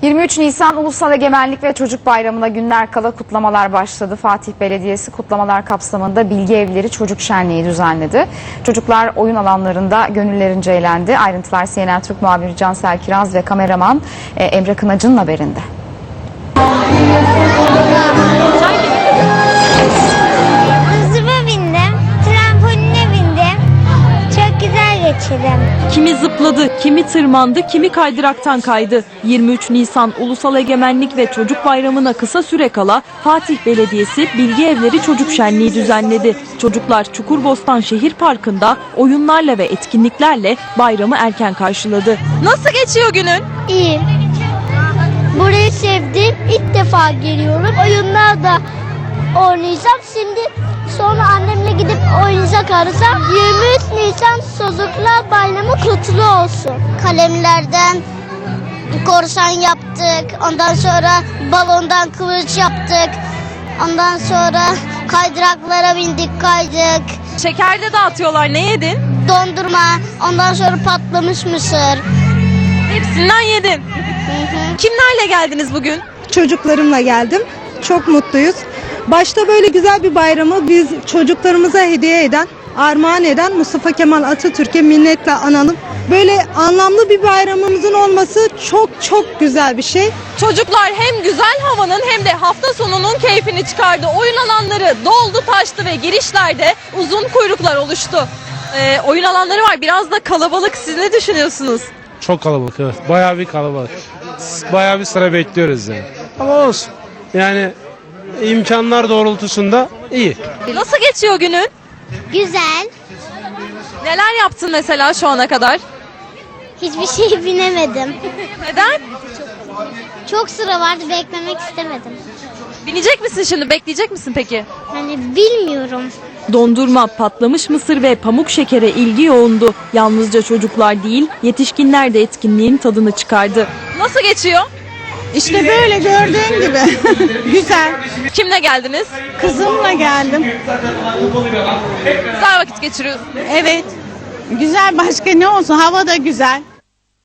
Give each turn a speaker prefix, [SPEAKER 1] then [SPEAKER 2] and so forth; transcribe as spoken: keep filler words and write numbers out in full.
[SPEAKER 1] yirmi üç Nisan Ulusal Egemenlik ve Çocuk Bayramı'na günler kala kutlamalar başladı. Fatih Belediyesi kutlamalar kapsamında Bilgi Evleri Çocuk Şenliği düzenledi. Çocuklar oyun alanlarında gönüllerince eğlendi. Ayrıntılar C N N Türk muhabiri Cansel Kiraz ve kameraman Emre Kınacı'nın haberinde.
[SPEAKER 2] Hızıma bindim, trampoline bindim. Çok güzel geçirdim.
[SPEAKER 3] Kimi zıpladı, kimi tırmandı, kimi kaydıraktan kaydı. yirmi üç Nisan Ulusal Egemenlik ve Çocuk Bayramı'na kısa süre kala Fatih Belediyesi Bilgi Evleri Çocuk Şenliği düzenledi. Çocuklar Çukurbostan Şehir Parkı'nda oyunlarla ve etkinliklerle bayramı erken karşıladı. Nasıl geçiyor günün?
[SPEAKER 2] İyi. Burayı sevdim. İlk defa geliyorum. Oyunlarda oynayacağım. Şimdi sonra annemle gidip oynayacak arasam. yirmi üç Nisan Çocuklar Bayramı kutlu olsun. Kalemlerden korsan yaptık. Ondan sonra balondan kılıç yaptık. Ondan sonra kaydıraklara bindik, kaydık.
[SPEAKER 3] Şeker de dağıtıyorlar. Ne yedin?
[SPEAKER 2] Dondurma. Ondan sonra patlamış mısır.
[SPEAKER 3] Hepsinden yedin. Kimlerle geldiniz bugün?
[SPEAKER 4] Çocuklarımla geldim. Çok mutluyuz. Başta böyle güzel bir bayramı biz çocuklarımıza hediye eden, armağan eden Mustafa Kemal Atatürk'e minnetle analım. Böyle anlamlı bir bayramımızın olması çok çok güzel bir şey.
[SPEAKER 3] Çocuklar hem güzel havanın hem de hafta sonunun keyfini çıkardı. Oyun alanları doldu taştı ve girişlerde uzun kuyruklar oluştu. Ee, oyun alanları var. Biraz da kalabalık. Siz ne düşünüyorsunuz?
[SPEAKER 5] Çok kalabalık, evet. Bayağı bir kalabalık. Bayağı bir sıra bekliyoruz yani. Ama olsun. Yani imkanlar doğrultusunda iyi.
[SPEAKER 3] Nasıl geçiyor günün?
[SPEAKER 2] Güzel.
[SPEAKER 3] Neler yaptın mesela şu ana kadar?
[SPEAKER 2] Hiçbir şey binemedim.
[SPEAKER 3] Neden?
[SPEAKER 2] Çok sıra vardı, beklemek istemedim.
[SPEAKER 3] Binecek misin şimdi? Bekleyecek misin peki?
[SPEAKER 2] Hani bilmiyorum.
[SPEAKER 3] Dondurma, patlamış mısır ve pamuk şekere ilgi yoğundu. Yalnızca çocuklar değil, yetişkinler de etkinliğin tadını çıkardı. Nasıl geçiyor?
[SPEAKER 4] İşte böyle gördüğün gibi. Güzel.
[SPEAKER 3] Kimle geldiniz?
[SPEAKER 4] Kızımla geldim.
[SPEAKER 3] Güzel vakit geçiriyorsunuz.
[SPEAKER 4] Evet. Güzel, başka ne olsun, hava da güzel.